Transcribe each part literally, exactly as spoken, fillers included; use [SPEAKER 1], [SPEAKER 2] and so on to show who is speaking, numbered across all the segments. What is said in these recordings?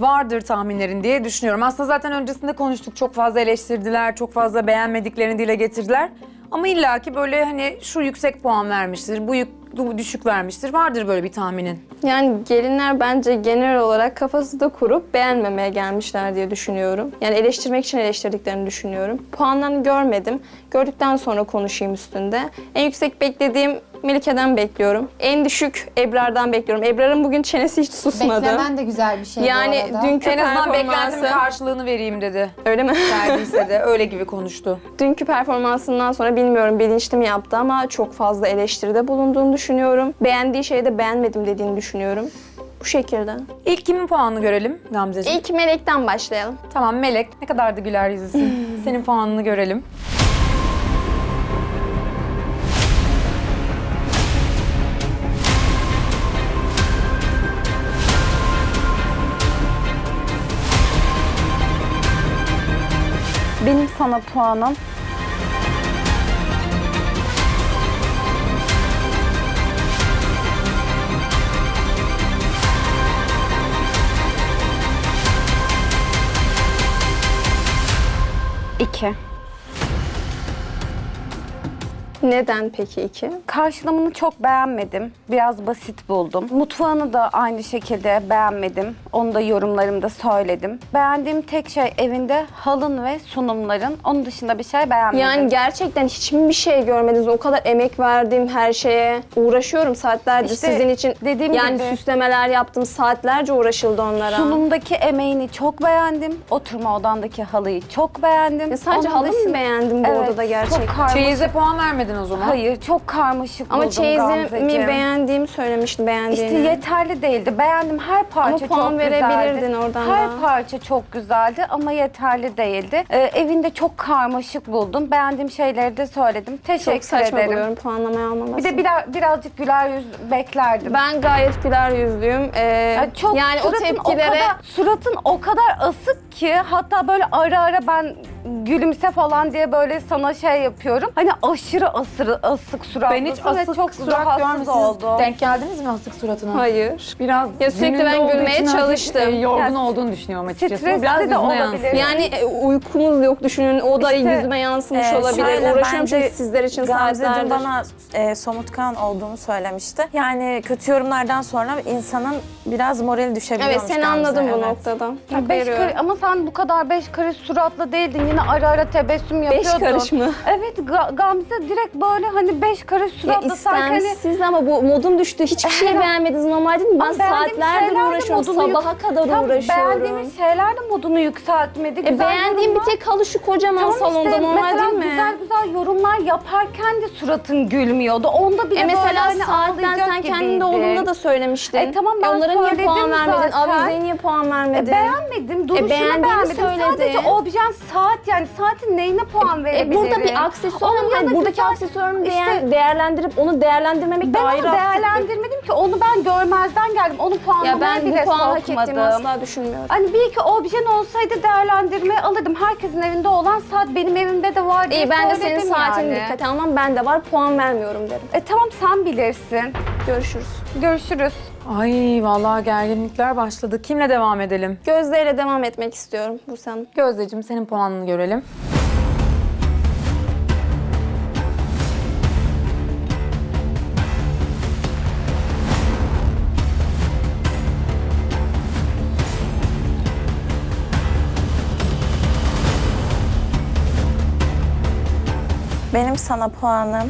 [SPEAKER 1] vardır tahminlerin diye düşünüyorum. Aslında zaten öncesinde konuştuk. Çok fazla eleştirdiler, çok fazla beğenmediklerini dile getirdiler. Ama illaki böyle hani şu yüksek puan vermiştir, bu, yük, bu düşük vermiştir. Vardır böyle bir tahminin.
[SPEAKER 2] Yani gelinler bence genel olarak kafası da kurup beğenmemeye gelmişler diye düşünüyorum. Yani eleştirmek için eleştirdiklerini düşünüyorum. Puanlarını görmedim. Gördükten sonra konuşayım üstünde. En yüksek beklediğim Melike'den bekliyorum. En düşük Ebrar'dan bekliyorum. Ebrar'ın bugün çenesi hiç susmadı.
[SPEAKER 3] Beklemen de güzel bir şey
[SPEAKER 2] Yani
[SPEAKER 3] bu arada.
[SPEAKER 2] dünkü
[SPEAKER 1] En azından beklentimin
[SPEAKER 2] performansı...
[SPEAKER 1] karşılığını vereyim dedi.
[SPEAKER 2] Öyle mi?
[SPEAKER 1] Verdiyse de öyle gibi konuştu.
[SPEAKER 2] Dünkü performansından sonra bilmiyorum bilinçli mi yaptı ama çok fazla eleştiride bulunduğunu düşünüyorum. Beğendiği şeyi de beğenmedim dediğini düşünüyorum. Bu şekilde.
[SPEAKER 1] İlk kimin puanını görelim Gamzeciğim?
[SPEAKER 2] İlk Melek'ten başlayalım.
[SPEAKER 1] Tamam Melek, ne kadar da güler yüzlüsün. Senin puanını görelim.
[SPEAKER 4] Benim sana puanım iki.
[SPEAKER 2] Neden peki iki?
[SPEAKER 4] Karşılamını çok beğenmedim. Biraz basit buldum. Mutfağını da aynı şekilde beğenmedim. Onu da yorumlarımda söyledim. Beğendiğim tek şey evinde halın ve sunumların. Onun dışında bir şey beğenmedim.
[SPEAKER 2] Yani gerçekten hiçbir şey görmediniz. O kadar emek verdim her şeye. Uğraşıyorum saatlerce
[SPEAKER 4] İşte
[SPEAKER 2] sizin için.
[SPEAKER 4] dediğim
[SPEAKER 2] yani
[SPEAKER 4] gibi-
[SPEAKER 2] süslemeler yaptım. Saatlerce uğraşıldı onlara.
[SPEAKER 4] sunumdaki emeğini çok beğendim. Oturma odandaki halıyı çok beğendim.
[SPEAKER 2] Ya sadece
[SPEAKER 4] Onun
[SPEAKER 2] halı mı
[SPEAKER 4] dışında-
[SPEAKER 2] beğendim bu
[SPEAKER 4] Evet,
[SPEAKER 2] odada gerçekten?
[SPEAKER 4] Çok karmaşık.
[SPEAKER 1] Çeyize puan vermedin o zaman.
[SPEAKER 4] Hayır, çok karmaşık
[SPEAKER 2] Ama
[SPEAKER 4] buldum
[SPEAKER 2] çeyizimi
[SPEAKER 4] Gamzeciğim.
[SPEAKER 2] beğendiğimi söylemiştim beğendiğini.
[SPEAKER 4] İşte yeterli değildi. Beğendim, her parça
[SPEAKER 2] Ama puan
[SPEAKER 4] çok
[SPEAKER 2] verebilirdin
[SPEAKER 4] güzeldi.
[SPEAKER 2] oradan
[SPEAKER 4] Her
[SPEAKER 2] da.
[SPEAKER 4] parça çok güzeldi ama yeterli değildi. Ee, evinde çok karmaşık buldum. Beğendiğim şeyleri de söyledim. Teşekkür
[SPEAKER 2] Çok saçma
[SPEAKER 4] ederim.
[SPEAKER 2] buluyorum puanlamayı almaması.
[SPEAKER 4] Bir de biraz, birazcık güler yüz beklerdim.
[SPEAKER 2] Ben gayet güler yüzlüyüm. Ee,
[SPEAKER 4] Ya çok
[SPEAKER 2] yani o
[SPEAKER 4] suratın
[SPEAKER 2] tepkilere...
[SPEAKER 4] o kadar, suratın o kadar asık ki hatta böyle ara ara ben gülümse falan diye böyle sana şey yapıyorum. Hani aşırı asırı, asık suratlısın
[SPEAKER 1] Ben hiç
[SPEAKER 4] ve
[SPEAKER 1] asık
[SPEAKER 4] çok
[SPEAKER 1] surat
[SPEAKER 4] rahatsız
[SPEAKER 1] görmüşsünüz.
[SPEAKER 4] oldum.
[SPEAKER 1] Denk geldiniz mi asık suratına?
[SPEAKER 2] Hayır.
[SPEAKER 1] Biraz
[SPEAKER 2] Ya sürekli
[SPEAKER 1] gününde
[SPEAKER 2] ben
[SPEAKER 1] olduğu
[SPEAKER 2] gülmeye
[SPEAKER 1] için hafif,
[SPEAKER 2] çalıştım.
[SPEAKER 1] e, yorgun
[SPEAKER 4] Ya,
[SPEAKER 1] olduğunu düşünüyorum açıkçası.
[SPEAKER 4] stresli
[SPEAKER 1] Biraz
[SPEAKER 4] de
[SPEAKER 1] yüzüne
[SPEAKER 4] olabilir.
[SPEAKER 1] yansıyor.
[SPEAKER 2] Yani e, uykumuz yok düşünün. O da
[SPEAKER 4] İşte,
[SPEAKER 2] yüzüme yansımış
[SPEAKER 5] e,
[SPEAKER 2] olabilir.
[SPEAKER 5] şöyle,
[SPEAKER 2] Uğraşıyorum
[SPEAKER 5] bence
[SPEAKER 2] çünkü sizler için
[SPEAKER 5] Gamze dün
[SPEAKER 2] saatlerdir.
[SPEAKER 5] bana e, somutkan olduğumu söylemişti. Yani kötü yorumlardan sonra insanın biraz morali düşebiliyormuş.
[SPEAKER 2] Evet seni
[SPEAKER 5] Gamze,
[SPEAKER 2] anladım bu
[SPEAKER 5] evet.
[SPEAKER 2] noktada.
[SPEAKER 4] Ya
[SPEAKER 2] Hak
[SPEAKER 4] beş
[SPEAKER 2] veriyorum.
[SPEAKER 4] karış, ama sen bu kadar beş karış suratlı değildin. Yine ara ara tebessüm
[SPEAKER 2] Beş
[SPEAKER 4] yapıyordun.
[SPEAKER 2] karış mı?
[SPEAKER 4] Evet Ga- Gamze direkt böyle hani beş karış
[SPEAKER 2] Ya
[SPEAKER 4] suratlı sanki hani
[SPEAKER 2] istemsiz ama bu modum düştü. Hiçbir şey
[SPEAKER 4] Herhalde.
[SPEAKER 2] beğenmediniz normal değil mi? Ben
[SPEAKER 4] Ama beğendiğim
[SPEAKER 2] saatlerdir
[SPEAKER 4] şeyler de
[SPEAKER 2] uğraşıyorum.
[SPEAKER 4] modunu yük-
[SPEAKER 2] Sabaha kadar
[SPEAKER 4] tam
[SPEAKER 2] uğraşıyorum.
[SPEAKER 4] beğendiğimiz şeyler de modunu yükseltmedi.
[SPEAKER 2] E,
[SPEAKER 4] Güzel
[SPEAKER 2] beğendiğim bir
[SPEAKER 4] yorumlar-
[SPEAKER 2] tek halı şu kocaman
[SPEAKER 4] Tamam
[SPEAKER 2] salonda
[SPEAKER 4] işte,
[SPEAKER 2] normal
[SPEAKER 4] mesela
[SPEAKER 2] değil mi?
[SPEAKER 4] güzel güzel yorumlar yaparken de suratın gülmüyordu. Onda bile
[SPEAKER 2] E
[SPEAKER 4] böyle
[SPEAKER 2] mesela
[SPEAKER 4] hani
[SPEAKER 2] saatten
[SPEAKER 4] ağlayacak
[SPEAKER 2] sen kendi
[SPEAKER 4] gibiydin.
[SPEAKER 2] olduğunda da söylemiştin.
[SPEAKER 4] E, tamam, ben
[SPEAKER 2] Onlara niye
[SPEAKER 4] söyledim
[SPEAKER 2] puan vermedin?
[SPEAKER 4] zaten.
[SPEAKER 2] Avizeye niye puan vermedin?
[SPEAKER 4] E, beğenmedim. Duruşunu
[SPEAKER 2] beğendiğini
[SPEAKER 4] beğenmedim.
[SPEAKER 2] söyledi.
[SPEAKER 4] Sadece objen saat yani saatin neyine puan
[SPEAKER 2] E,
[SPEAKER 4] verebilirim?
[SPEAKER 2] burada bir aksesuar
[SPEAKER 4] Onun
[SPEAKER 2] yani
[SPEAKER 4] yanında
[SPEAKER 2] buradaki
[SPEAKER 4] güzel-
[SPEAKER 2] aksesuarını
[SPEAKER 4] İşte-
[SPEAKER 2] değer- değerlendirip onu değerlendirmemek de
[SPEAKER 4] Ben
[SPEAKER 2] ayrı
[SPEAKER 4] onu
[SPEAKER 2] haksızlık.
[SPEAKER 4] değerlendirmedim ki. Onu ben görmezden geldim. Onu
[SPEAKER 2] Ya
[SPEAKER 4] puanlamaya
[SPEAKER 2] ben
[SPEAKER 4] bile
[SPEAKER 2] bu puanı hak
[SPEAKER 4] sokmadım.
[SPEAKER 2] ettiğimi asla düşünmüyorum.
[SPEAKER 4] Hani bir iki objen olsaydı değerlendirmeye alırdım. Herkesin evinde olan saat benim evimde de var diye
[SPEAKER 2] İyi ben de senin
[SPEAKER 4] söyledim
[SPEAKER 2] saatini
[SPEAKER 4] yani.
[SPEAKER 2] dikkate almam. Ben de var puan vermiyorum derim.
[SPEAKER 4] E tamam sen bilirsin.
[SPEAKER 2] Görüşürüz.
[SPEAKER 4] Görüşürüz.
[SPEAKER 1] Ay vallahi gerginlikler başladı. Kimle devam edelim?
[SPEAKER 2] Gözde ile devam etmek istiyorum Buse Hanım.
[SPEAKER 1] Gözdeciğim senin puanını görelim.
[SPEAKER 5] Benim sana puanım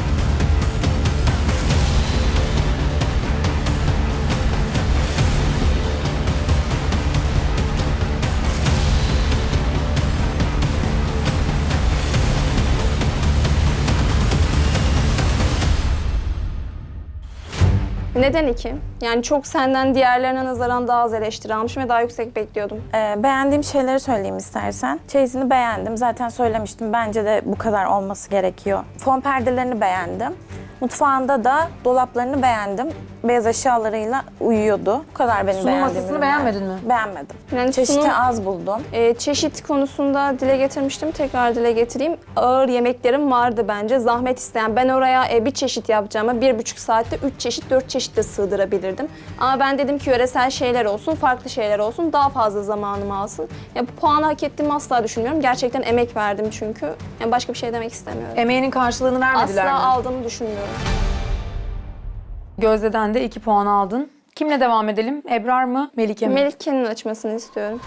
[SPEAKER 2] Neden iki? Yani çok senden diğerlerine nazaran daha az eleştiri almışım ve daha yüksek bekliyordum.
[SPEAKER 5] Ee, beğendiğim şeyleri söyleyeyim istersen. Çeyizini beğendim. Zaten söylemiştim. Bence de bu kadar olması gerekiyor. Fon perdelerini beğendim. Mutfağında da dolaplarını beğendim. Beyaz eşyalarıyla uyuyordu. Bu kadar benim
[SPEAKER 1] Sunum
[SPEAKER 5] beğendiğim
[SPEAKER 1] masasını
[SPEAKER 5] ürünler.
[SPEAKER 1] beğenmedin mi?
[SPEAKER 5] Beğenmedim.
[SPEAKER 2] Yani
[SPEAKER 5] Çeşitli
[SPEAKER 2] sunum-
[SPEAKER 5] az buldum.
[SPEAKER 2] Ee, çeşit konusunda dile getirmiştim. Tekrar dile getireyim. Ağır yemeklerim vardı bence. Zahmet isteyen. Ben oraya e, bir çeşit yapacağıma bir buçuk saatte üç çeşit, dört çeşit de sığdırabilirdim. Ama ben dedim ki yöresel şeyler olsun, farklı şeyler olsun. Daha fazla zamanımı alsın. Ya bu puanı hak ettiğimi asla düşünmüyorum. Gerçekten emek verdim çünkü. Yani başka bir şey demek istemiyorum.
[SPEAKER 1] Emeğinin karşılığını vermediler
[SPEAKER 2] Asla
[SPEAKER 1] mi?
[SPEAKER 2] aldığımı düşünmüyorum.
[SPEAKER 1] Gözde'den de iki puan aldın. Kimle devam edelim? Ebrar mı, Melike mi?
[SPEAKER 2] Melike'nin açmasını istiyorum.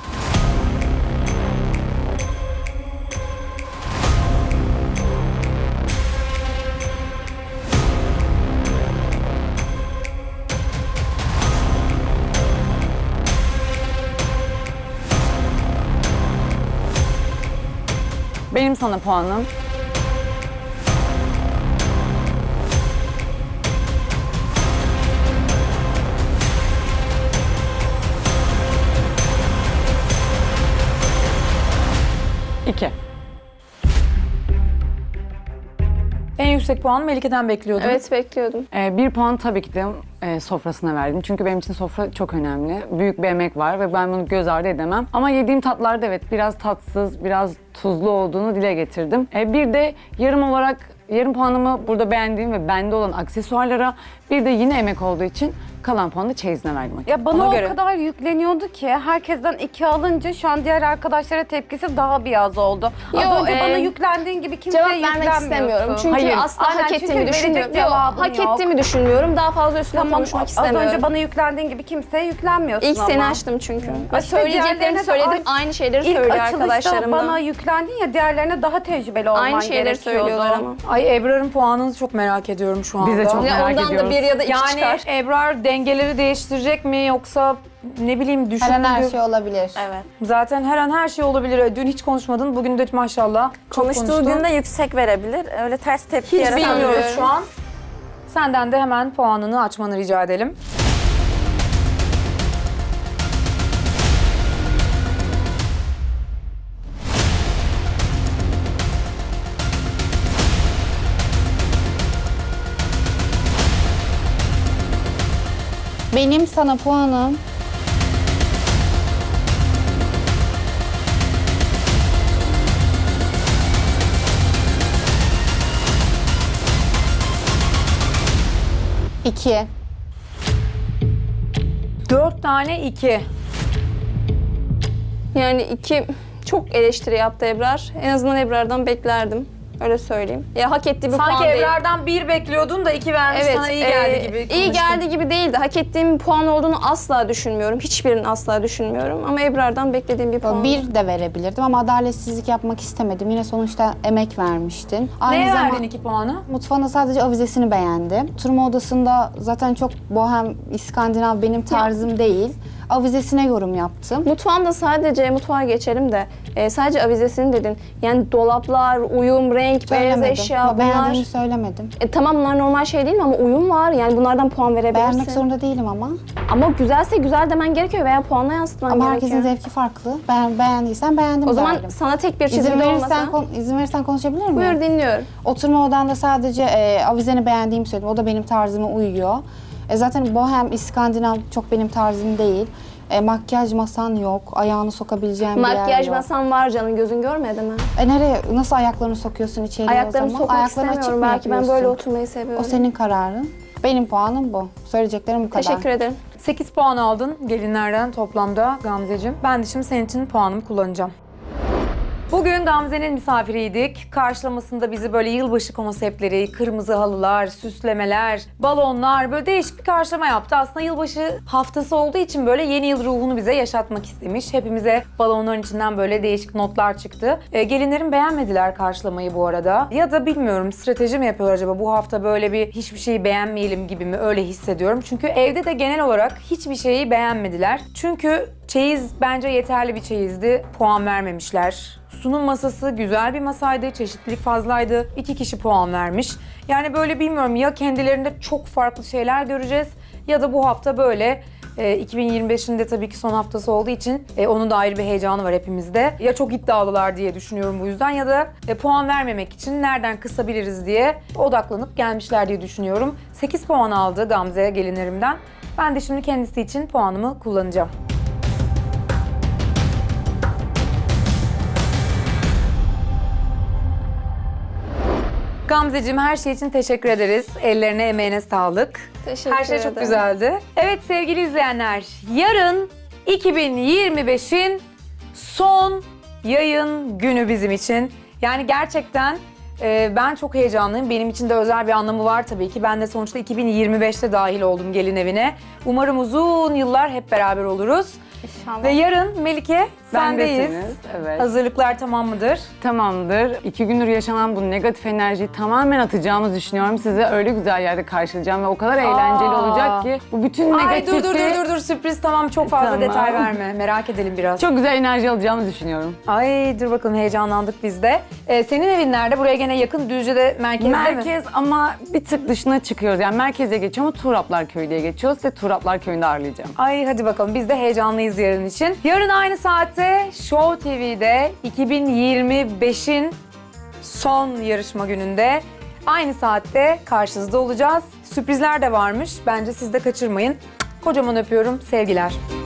[SPEAKER 3] Benim sana puanım. İki.
[SPEAKER 1] En yüksek puanı Melike'den bekliyordum.
[SPEAKER 2] Evet, bekliyordum.
[SPEAKER 3] Ee, bir puan tabii ki de e, sofrasına verdim. Çünkü benim için sofra çok önemli. Büyük bir emek var ve ben bunu göz ardı edemem. Ama yediğim tatlarda evet biraz tatsız, biraz tuzlu olduğunu dile getirdim. E, bir de yarım olarak yarım puanımı burada beğendiğim ve bende olan aksesuarlara, bir de yine emek olduğu için kalan puanı da çeyizine verdim.
[SPEAKER 4] Ya bana
[SPEAKER 1] Ona
[SPEAKER 4] o
[SPEAKER 1] göre.
[SPEAKER 4] kadar yükleniyordu ki herkesten iki alınca şu an diğer arkadaşlara tepkisi daha bir az oldu. Az
[SPEAKER 2] Yo,
[SPEAKER 4] önce
[SPEAKER 2] e,
[SPEAKER 4] bana yüklendiğin gibi kimseye
[SPEAKER 2] Cevap
[SPEAKER 4] yüklenmiyorsun.
[SPEAKER 2] vermek istemiyorum. Çünkü
[SPEAKER 3] Hayır.
[SPEAKER 2] asla
[SPEAKER 4] Aynen,
[SPEAKER 2] hak
[SPEAKER 4] çünkü
[SPEAKER 2] ettiğimi
[SPEAKER 4] verecek
[SPEAKER 2] düşünmüyorum. Yok,
[SPEAKER 4] cevabın
[SPEAKER 2] hak
[SPEAKER 4] yok.
[SPEAKER 2] ettiğimi düşünmüyorum. Daha fazla üstüne
[SPEAKER 4] Tamam,
[SPEAKER 2] konuşmak
[SPEAKER 4] az
[SPEAKER 2] istemiyorum.
[SPEAKER 4] önce bana yüklendiğin gibi kimseye yüklenmiyorsun
[SPEAKER 2] İlk
[SPEAKER 4] ama.
[SPEAKER 2] seni açtım çünkü. Ve
[SPEAKER 4] İşte diğerlerine
[SPEAKER 2] söyleyeceklerimi
[SPEAKER 4] de
[SPEAKER 2] söyledim.
[SPEAKER 4] aynı-
[SPEAKER 2] Aynı şeyleri
[SPEAKER 4] İlk
[SPEAKER 2] söylüyor
[SPEAKER 4] açılışta
[SPEAKER 2] arkadaşlarım da.
[SPEAKER 4] bana yüklendin ya, diğerlerine daha tecrübeli olman
[SPEAKER 2] Aynı şeyleri
[SPEAKER 4] gerekiyordu.
[SPEAKER 2] söylüyorlar ama.
[SPEAKER 1] Ay Ebrar'ın puanını çok merak ediyorum şu anda.
[SPEAKER 3] Biz de çok
[SPEAKER 2] Ya
[SPEAKER 3] merak
[SPEAKER 2] ondan
[SPEAKER 3] ediyoruz.
[SPEAKER 2] da bir ya da iki
[SPEAKER 1] Yani
[SPEAKER 2] çıkar.
[SPEAKER 1] Ebrar dengeleri değiştirecek mi yoksa ne bileyim düşük
[SPEAKER 6] Her an
[SPEAKER 1] mü?
[SPEAKER 6] her şey olabilir.
[SPEAKER 5] Evet.
[SPEAKER 1] Zaten her an her şey olabilir. Dün hiç konuşmadın. Bugün de maşallah çok
[SPEAKER 5] Konuştuğu
[SPEAKER 1] konuştun.
[SPEAKER 5] günde yüksek verebilir. Öyle ters tepki
[SPEAKER 1] Hiç
[SPEAKER 5] yaratabilir.
[SPEAKER 1] bilmiyoruz şu an. Senden de hemen puanını açmanı rica edelim.
[SPEAKER 6] Benim sana puanım iki.
[SPEAKER 1] Dört tane iki.
[SPEAKER 2] Yani iki çok eleştiri yaptı Ebrar. En azından Ebrar'dan beklerdim. Öyle söyleyeyim. Ya hak ettiği bir
[SPEAKER 1] Sanki
[SPEAKER 2] puan değil.
[SPEAKER 1] Ebrar'dan bir bekliyordun da iki vermiş
[SPEAKER 2] Evet,
[SPEAKER 1] sana iyi geldi
[SPEAKER 2] e,
[SPEAKER 1] gibi
[SPEAKER 2] iyi
[SPEAKER 1] konuştun.
[SPEAKER 2] geldi gibi değildi. Hak ettiğim bir puan olduğunu asla düşünmüyorum. Hiçbirini asla düşünmüyorum. Ama Ebrar'dan beklediğim bir puan.
[SPEAKER 6] Bir de verebilirdim ama adaletsizlik yapmak istemedim. Yine sonuçta emek vermiştin. Aynı
[SPEAKER 1] Neye
[SPEAKER 6] zaman
[SPEAKER 1] verdin iki puanı?
[SPEAKER 6] mutfağında sadece avizesini beğendim. Oturma odasında zaten çok bohem, İskandinav benim tarzım değil. Avizesine yorum yaptım.
[SPEAKER 2] Mutfağımda sadece, mutfağa geçelim de e, sadece avizesini dedin. Yani dolaplar, uyum, renk, beyaz
[SPEAKER 6] Söylemedim.
[SPEAKER 2] eşya
[SPEAKER 6] Ama
[SPEAKER 2] bunlar.
[SPEAKER 6] Beğendiğimi söylemedim.
[SPEAKER 2] E, tamam bunlar normal şey değil mi ama uyum var. Yani bunlardan puan verebilirsin.
[SPEAKER 6] Beğenmek zorunda değilim ama.
[SPEAKER 2] Ama güzelse güzel demen gerekiyor veya puanla yansıtman
[SPEAKER 6] Ama
[SPEAKER 2] gerekiyor.
[SPEAKER 6] herkesin zevki farklı. Ben beğendiysen beğendim
[SPEAKER 2] O zaman
[SPEAKER 6] derdim.
[SPEAKER 2] sana tek bir
[SPEAKER 6] İzin
[SPEAKER 2] çizimde
[SPEAKER 6] verirsen,
[SPEAKER 2] olmasa.
[SPEAKER 6] kon- izin verirsen konuşabilir miyim?
[SPEAKER 2] Buyur dinliyorum.
[SPEAKER 6] Oturma odanda sadece e, avizeni beğendiğimi söyledim. O da benim tarzıma uyuyor. E, zaten bohem, İskandinav çok benim tarzım değil. E, makyaj masan yok. Ayağını sokabileceğim bir yer
[SPEAKER 2] Makyaj
[SPEAKER 6] yok.
[SPEAKER 2] masan var canım, gözün görmedi mi?
[SPEAKER 6] E, nereye, nasıl ayaklarını sokuyorsun içeriye
[SPEAKER 2] Ayaklarımı
[SPEAKER 6] o zaman?
[SPEAKER 2] sokmak
[SPEAKER 6] Ayaklarını açık
[SPEAKER 2] istemiyorum.
[SPEAKER 6] mı
[SPEAKER 2] Belki ben
[SPEAKER 6] yapıyorsun?
[SPEAKER 2] böyle oturmayı seviyorum.
[SPEAKER 6] O senin kararın. Benim puanım bu. Söyleyeceklerim bu kadar.
[SPEAKER 2] Teşekkür ederim.
[SPEAKER 1] sekiz puan aldın gelinlerden toplamda Gamzeciğim. Ben de şimdi senin için puanımı kullanacağım. Bugün Gamze'nin misafiriydik. Karşılamasında bizi böyle yılbaşı konseptleri, kırmızı halılar, süslemeler, balonlar, böyle değişik bir karşılama yaptı. Aslında yılbaşı haftası olduğu için böyle yeni yıl ruhunu bize yaşatmak istemiş. Hepimize balonların içinden böyle değişik notlar çıktı. E, gelinlerim beğenmediler karşılamayı bu arada. Ya da bilmiyorum, strateji mi yapıyorlar acaba, bu hafta böyle bir hiçbir şeyi beğenmeyelim gibi mi, öyle hissediyorum. Çünkü evde de genel olarak hiçbir şeyi beğenmediler. Çünkü çeyiz bence yeterli bir çeyizdi. Puan vermemişler. Sunum masası güzel bir masaydı, çeşitlilik fazlaydı. İki kişi puan vermiş. Yani böyle bilmiyorum, ya kendilerinde çok farklı şeyler göreceğiz ya da bu hafta böyle E, iki bin yirmi beşin de tabii ki son haftası olduğu için e, onun da ayrı bir heyecanı var hepimizde. Ya çok iddialılar diye düşünüyorum bu yüzden ya da e, puan vermemek için nereden kısabiliriz diye odaklanıp gelmişler diye düşünüyorum. sekiz puan aldı Gamze gelinlerimden. Ben de şimdi kendisi için puanımı kullanacağım. Gamzeciğim her şey için teşekkür ederiz. Ellerine, emeğine sağlık.
[SPEAKER 2] Teşekkür
[SPEAKER 1] Her şey çok
[SPEAKER 2] ederim.
[SPEAKER 1] güzeldi. Evet sevgili izleyenler, yarın iki bin yirmi beşin son yayın günü bizim için. Yani gerçekten e, ben çok heyecanlıyım. Benim için de özel bir anlamı var tabii ki. Ben de sonuçta iki bin yirmi beşte dahil oldum gelin evine. Umarım uzun yıllar hep beraber oluruz.
[SPEAKER 2] İnşallah.
[SPEAKER 1] Ve yarın Melike sendeyiz.
[SPEAKER 3] Bendesiniz, evet.
[SPEAKER 1] Hazırlıklar tamam mıdır?
[SPEAKER 3] Tamamdır. İki gündür yaşanan bu negatif enerjiyi tamamen atacağımızı düşünüyorum. Size öyle güzel yerde karşılayacağım ve o kadar eğlenceli olacak ki bu bütün
[SPEAKER 1] Ay
[SPEAKER 3] negatifi
[SPEAKER 1] dur dur dur dur dur sürpriz tamam çok fazla
[SPEAKER 3] Tamam.
[SPEAKER 1] detay verme. Merak edelim biraz.
[SPEAKER 3] çok güzel enerji alacağımızı düşünüyorum.
[SPEAKER 1] Ay dur bakalım heyecanlandık biz de. Ee, senin evin nerede? Buraya gene yakın Düzce'de merkezde mi?
[SPEAKER 3] Merkez ama bir tık dışına çıkıyoruz. Yani merkeze geçiyor ama Tuğraplar Köyü diye geçiyoruz ve Tuğraplar Köyü'nde ağırlayacağım.
[SPEAKER 1] Ay hadi bakalım biz de heyecanlıyız yarın için. Yarın aynı saatte Show T V'de iki bin yirmi beşin son yarışma gününde aynı saatte karşınızda olacağız. Sürprizler de varmış. Bence siz de kaçırmayın. Kocaman öpüyorum. Sevgiler.